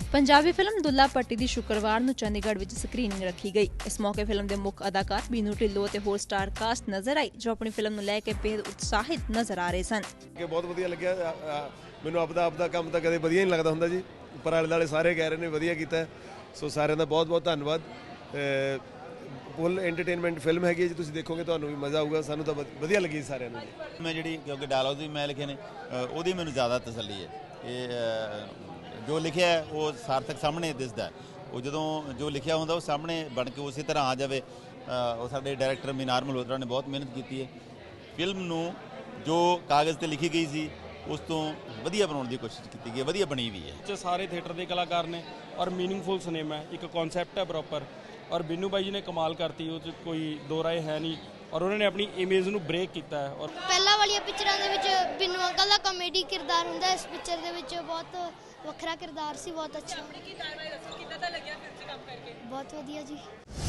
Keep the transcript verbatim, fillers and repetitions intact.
Punjabi film दुल्ला पट्टी की शुक्रवार ਨੂੰ ਚੰਡੀਗੜ੍ਹ ਵਿੱਚ ਸਕਰੀਨਿੰਗ ਰੱਖੀ ਗਈ। ਇਸ ਮੌਕੇ ਫਿਲਮ ਦੇ ਮੁੱਖ ਅਦਾਕਾਰ ਬੀਨੂ ਢਿੱਲੋਂ ਅਤੇ ਹੋਰ ਸਟਾਰ ਕਾਸਟ ਨਜ਼ਰ ਆਈ, ਜੋ ਆਪਣੀ ਫਿਲਮ ਨੂੰ ਲੈ ਕੇ ਬੇहद ਉਤਸ਼ਾਹਿਤ ਨਜ਼ਰ ਆ ਰਹੇ ਸਨ। ਕਿ ਬਹੁਤ ਵਧੀਆ ਲੱਗਿਆ ਮੈਨੂੰ, ਆਪਦਾ ਆਪਦਾ ਕੰਮ ਤਾਂ ਕਦੇ ਵਧੀਆ ਨਹੀਂ ਲੱਗਦਾ ਹੁੰਦਾ ਜੀ, ਪਰ ਆਲੇ ਦੁਆਲੇ ਸਾਰੇ ਕਹਿ ਰਹੇ ਨੇ ਵਧੀਆ ਕੀਤਾ, ਸੋ ਸਾਰਿਆਂ ਦਾ ਬਹੁਤ ਬਹੁਤ ਧੰਨਵਾਦ। ਫੁੱਲ ਐਂਟਰਟੇਨਮੈਂਟ ਫਿਲਮ ਹੈਗੀ ਜੀ, ਤੁਸੀਂ ਦੇਖੋਗੇ ਤੁਹਾਨੂੰ ਵੀ ਮਜ਼ਾ ਆਊਗਾ, ਸਾਨੂੰ ਤਾਂ ਵਧੀਆ ਲੱਗੀ ਸਾਰਿਆਂ ਨੂੰ। ਮੈਂ ਜਿਹੜੀ ਕਿਉਂਕਿ ਡਾਇਲੌਗ ਵੀ ਮੈਂ ਲਿਖੇ ਨੇ, ਉਹਦੀ ਮੈਨੂੰ ਜ਼ਿਆਦਾ ਤਸੱਲੀ ਹੈ। ਇਹ ਜੋ ਲਿਖਿਆ ਉਹ ਸਾਰਥਕ ਸਾਹਮਣੇ ਦਿਸਦਾ, ਉਹ ਜਦੋਂ ਜੋ ਲਿਖਿਆ ਹੁੰਦਾ ਉਹ ਸਾਹਮਣੇ ਬਣ ਕੇ ਉਸੇ ਤਰ੍ਹਾਂ ਆ ਜਾਵੇ। ਉਹ ਸਾਡੇ ਡਾਇਰੈਕਟਰ ਮੀਨਾਰ ਮਲਹੋਤਰਾ ਨੇ ਬਹੁਤ ਮਿਹਨਤ ਕੀਤੀ ਹੈ, ਫਿਲਮ ਨੂੰ ਜੋ ਕਾਗਜ਼ 'ਤੇ ਲਿਖੀ ਗਈ ਸੀ ਉਸ ਤੋਂ ਵਧੀਆ ਬਣਾਉਣ ਦੀ ਕੋਸ਼ਿਸ਼ ਕੀਤੀ ਗਈ, ਵਧੀਆ ਬਣੀ ਵੀ ਹੈ। ਸਾਰੇ ਥੀਏਟਰ ਦੇ ਕਲਾਕਾਰ ਨੇ ਔਰ ਮੀਨਿੰਗਫੁਲ ਸਿਨੇਮਾ ਹੈ, ਇੱਕ ਕਨਸੈਪਟ ਹੈ ਪ੍ਰੋਪਰ, ਔਰ ਬਿੰਨੂ ਬਾਈ ਜੀ ਨੇ ਕਮਾਲ ਕਰਤੀ, ਉਹ 'ਚ ਕੋਈ ਦੋ ਰਾਏ ਹੈ ਨਹੀਂ, ਔਰ ਉਹਨਾਂ ਨੇ ਆਪਣੀ ਇਮੇਜ ਨੂੰ ਬ੍ਰੇਕ ਕੀਤਾ ਹੈ। ਔਰ ਪਹਿਲਾਂ ਵਾਲੀਆਂ ਪਿਕਚਰਾਂ ਦੇ ਵਿੱਚ ਬਿੰਨੂ ਅੰਕਲ ਦਾ ਕਾਮੇਡੀ ਕਿਰਦਾਰ ਹੁੰਦਾ, ਇਸ ਪਿਕਚਰ ਦੇ ਵਿੱਚ ਬਹੁਤ ਵੱਖਰਾ ਕਿਰਦਾਰ ਸੀ, ਬਹੁਤ ਅੱਛਾ। ਬਹੁਤ ਵਧੀਆ ਜੀ।